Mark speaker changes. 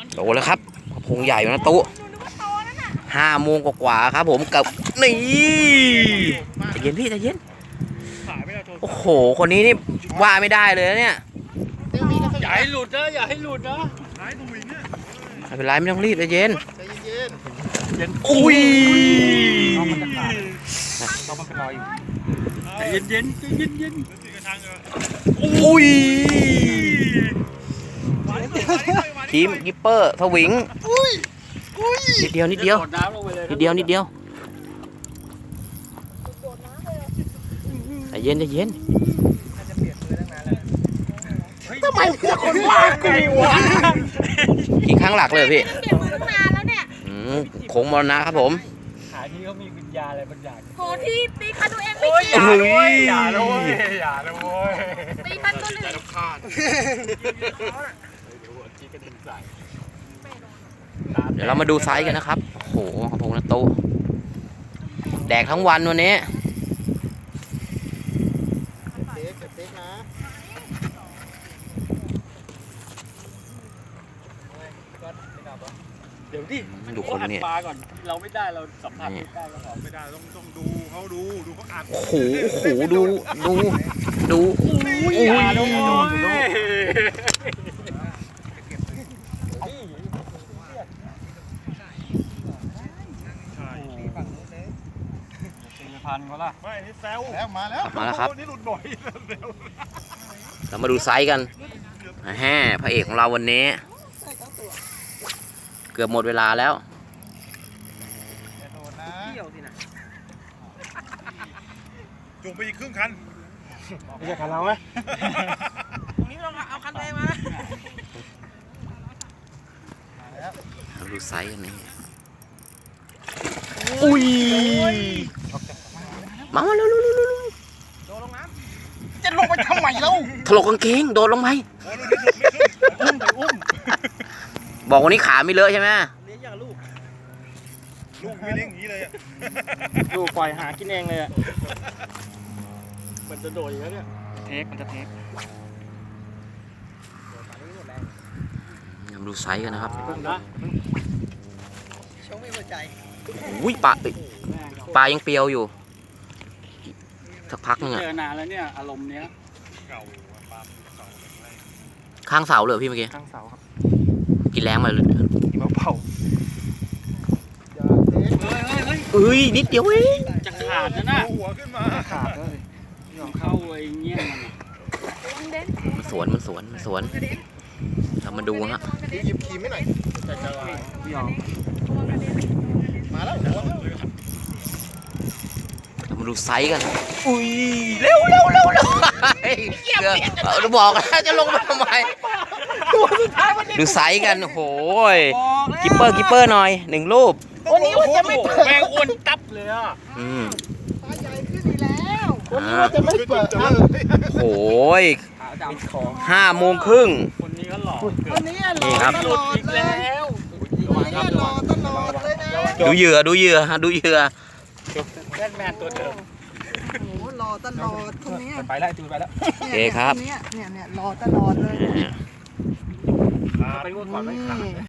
Speaker 1: โตแล้วครับพงใหญ่นะตุ๊5 โมงกว่าๆครับผมกับนี่ใจเย็นพี่ใจเย็นโอ้โหคนนี้นี่ว่าไม่ได้เลยนะเนี่ย
Speaker 2: อย่าให้หลุดนะอย่าให้หลุดนะ
Speaker 1: ไม่เป็นไรไม่ต้องรีบใจเย็น
Speaker 2: อุ้ย
Speaker 1: ต้อง
Speaker 2: มันจะขาดต้องมันเป็นรอยอยู่ใจเย็นเย็นใจเย็นเย็น
Speaker 1: อุ้ยทีมกิปเปอร์สวิงนิดเดียวนิดเดียวนิดเดียวนิดเดียวใจเย็นใจเย็น
Speaker 2: ทำไมเพื่อนคนว่าไงวะ
Speaker 1: กี่ครั้งหลักเลยพี่
Speaker 3: เปลี่ยนมือตั้งนานแล้วเนี่ย
Speaker 1: โค้งมรณะครับผม
Speaker 2: ขาที่เขามีวิญญาณอะไรบางอย่าง
Speaker 3: โหที่ตีคันตัวเองไม่เกี่ยว
Speaker 2: อย่าเลยอย่าเลย
Speaker 3: ตีคันตัวหนึ่ง
Speaker 1: เดี๋ยวเรามาดูไซส์กันนะครับโอ้โหของผมนะตู้แดกทั้งวันวันนี้
Speaker 2: เดี๋ยวดิ
Speaker 1: ดูคนนี้
Speaker 2: ปลาก่อนเราไม่ได้เราสัมผัสไม่ได้เราไม่ได้ต้องดูเขาดูเขาอัด
Speaker 1: โอ้โหโอ้โหดู
Speaker 2: อุ้ยดูพันเขาล่ะไม่นี่แซวมาแล้ว
Speaker 1: ครับ
Speaker 2: นี่หลุดบ่อย
Speaker 1: เรามาดูไซส์กันแฮ่พระเอกของเราวันนี้เกือบหมดเวลาแล้ว
Speaker 2: จุ่มไปอีกครึ่งคันไม่ใช่คันเราไหม
Speaker 3: ตรงนี้เราเอาคันตัวเองมา
Speaker 1: เราดูไซส์กันนี่อุ้ยมาเร็วโดดลงน้
Speaker 2: ำจะลงไปทำไมแล้ว
Speaker 1: ถลกกางเกงโดดลงไปบอกวันนี้ขาไม่เลอะใช่ไหม
Speaker 2: เลี้ยงอย่างลูกไม่เลี้ยงอย่างนี้เลยอ่ะลูกปล่อยหากินเองเลยอ่ะมันจะโดดอีกแล้วเนี่ยมันจะเทค
Speaker 1: ดูไซส์กันนะครับ
Speaker 2: ชงไม่หัวใจ
Speaker 1: อุ้ยปลายังเปรียวอยู่สักพักนึงอ่ะ
Speaker 2: เจอนานแล้วเนี่ยอารมณ์เนี้ย
Speaker 1: ข้างเสาเลยพี่เมื่อกี้
Speaker 2: ข้างเสาครับ
Speaker 1: กินแรงมาเลย
Speaker 2: กินมะพร้าว
Speaker 1: เอ้ยนิดเดียวเอง
Speaker 2: จะขาดนะหัวขึ้นมาขาดเลยเข้าไอ้เงี้ย
Speaker 1: มันสวนเรามาดูฮะ
Speaker 2: หยิบคีมไม่หน่อยจะลายพี่ยอมมาแล้ว
Speaker 1: เรามาดูไซส์กันอุ้ยเร็วเราบอกแล้วจะลงมาทำไมดูไซส์กันโอ้ยกิปเปอร์หน่อย1 รูป
Speaker 2: วันนี้ว่าจะไม่เปิดแมงอ้วนตับเลยอ่ะ
Speaker 3: ปลาใหญ่ขึ้นอีกแล้ว
Speaker 2: วันนี้ว่าจะไม่เปิด
Speaker 1: โอ้ย5 โมงครึ่ง
Speaker 2: คนนี้ก็หล่อ
Speaker 3: วันนี้หล่อตลอดแล้ววันนี้หล่อตลอดเลยนะ
Speaker 1: ดูเหยื่อ
Speaker 2: แมนตัวเดิม
Speaker 3: โอ้หล่อตลอดคนนี้
Speaker 2: ไปแล้วจูนไปแล้ว
Speaker 1: โอเคครับ
Speaker 3: เนี่ยหล่อตลอดเลย
Speaker 2: ไปงวดก่อนไม่ขาด